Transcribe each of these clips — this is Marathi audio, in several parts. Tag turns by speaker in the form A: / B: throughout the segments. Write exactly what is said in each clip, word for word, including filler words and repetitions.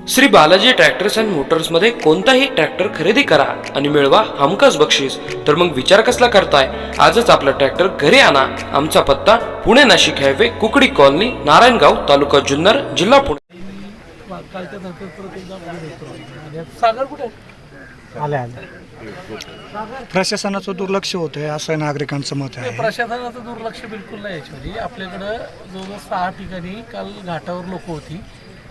A: श्री बालाजी ट्रॅक्टर्स अँड मोटर्समध्ये कोणताही ट्रॅक्टर खरेदी करा आणि मिळवा हमखास बक्षीस. तर मग विचार कसला करताय? आजच आपला ट्रॅक्टर घरी आणा. आमचा पत्ता पुणे नाशिक हायवे, कुकडी कॉलनी, नारायणगाव, तालुका जुन्नर, जिल्हा पुणे.
B: सागर कुठे
C: आले आले प्रशासनाचं दुर्लक्ष होतंय असं नागरिकांचं मत आहे.
B: प्रशासनाचं दुर्लक्ष बिलकुल नाही. याच्यामध्ये आपल्याकडं जवळजवळ सहा ठिकाणी काल घाटावर लोक होती.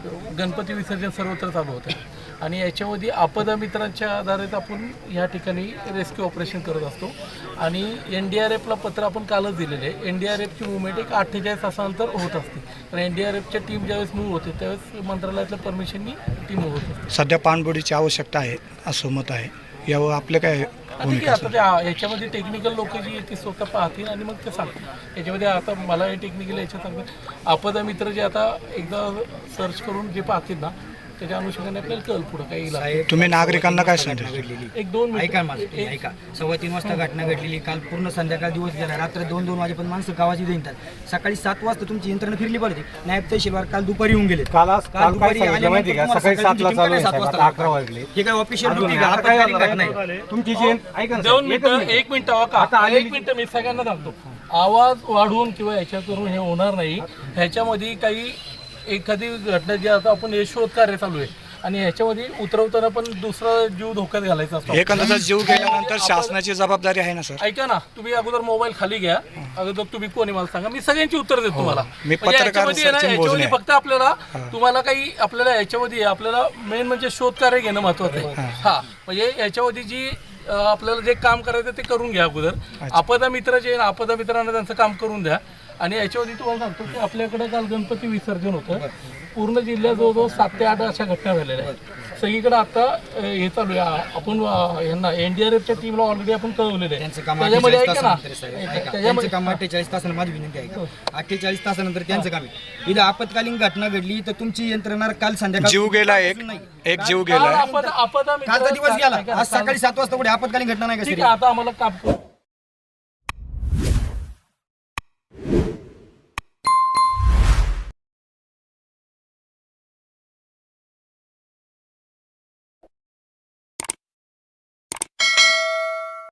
B: गणपती विसर्जन सर्वत्र चालू होतं आणि याच्यामध्ये आपदा मित्रांच्या आधारित आपण ह्या ठिकाणी रेस्क्यू ऑपरेशन करत असतो आणि एन डी आर एफला पत्र आपण कालच दिलेले आहे. एन डी आर एफची मुवमेंट एक अठ्ठेचाळीस तासानंतर होत असते. कारण एन डी आर एफच्या टीम ज्यावेळेस मूव्ह होते त्यावेळेस मंत्रालयातल्या परमिशननी टीम मूव्ह होत असते.
C: सध्या पाणबुडीची आवश्यकता आहे असं मत आहे. यावर आपले काय
B: ठीक आहे. आता त्या याच्यामध्ये टेक्निकल लोक जी आहेत ती स्वतः पाहतील आणि मग ते सांगतील. याच्यामध्ये आता मला हे टेक्निकल याच्यात सांगतात आपदा मित्र जे आता एकदा सर्च करून जे पाहतील ना त्याच्या अनुषंगाने आपल्याला कळलं पुढं काही इलाज.
C: तुम्ही नागरिकांना काय सांगता?
B: एक दोन
D: ऐका माझं ऐका सव्वा तीन वाजता घटना घडलेली. काल पूर्ण संध्याकाळ दिवस गेला. रात्र दोन दोन वाजेपर्यंत माणसं गावाची येतात. सकाळी सात वाजता तुमची यंत्रणा फिरली पाहिजे. नायब तहसीलदार काल दुपारी येऊन गेले.
E: काल दुपारी सकाळी सातला चालू आहे, अकरा वाजले.
D: हे काय ऑफिशियल ड्युटी नाही
E: तुमची जी ऐका
B: दोन मिनिटं एक मिनिट आता एक मिनिट मी सगळ्यांना सांगतो. आवाज वाढवून किंवा याच्या करून हे होणार नाही. ह्याच्यामध्ये काही एखादी घटना जी आता आपण हे शोध कार्य चालू आहे आणि ह्याच्यामध्ये उतरवताना पण दुसरा जीव धोक्यात घालायचा असतो.
C: एखाद्याचा जीव गेल्यानंतर शासनाची जबाबदारी आहे ना सर?
B: ऐका ना, तुम्ही अगोदर मोबाईल खाली घ्या. अगोदर तुम्ही कोणी मला सांगा, मी सगळ्यांची उत्तर देतो तुम्हाला.
C: मी
B: म्हणजे
C: पत्रकार
B: याच्यामध्ये ना,
C: सचिन
B: याच्यामध्ये
C: भोजने.
B: फक्त आपल्याला तुम्हाला काही आपल्याला याच्यामध्ये आपल्याला मेन म्हणजे शोध कार्य घेणं महत्वाचं आहे. हा म्हणजे याच्यामध्ये जी अं, आपल्याला जे काम करायचं ते करून घ्या अगोदर. आपदा मित्र जे आपदा मित्रांना त्यांचं काम करून द्या. आणि याच्यामध्ये तुम्हाला सांगतो की आपल्याकडे काल गणपती विसर्जन होतं. पूर्ण जिल्ह्यात जवळजवळ सात ते आठ अशा घटना झालेल्या आहेत. सगळीकडे आता अं, हे चालू आहे. आपण अं, यांना एनडीआरएफच्या टीमला ऑलरेडी आपण कळवलेलं आहे. त्याच्यामध्ये ऐका ना,
D: त्यांचं काम अठ्ठेचाळीस तासानंतर माझी विनंती आहे अठ्ठेचाळीस तासानंतर त्यांचं काम आहे. इथं आपत्कालीन घटना घडली तर तुमची यंत्रणा काल संध्याकाळ
C: जीव गेला, एक एक जीव गेला.
B: आपदा आपदा
D: कालचा दिवस गेला.
B: मित्र
D: आज सकाळी सात वाजता पुढे आपत्कालीन घटना नाही का?
B: ठीक आहे. आता आम्हाला काम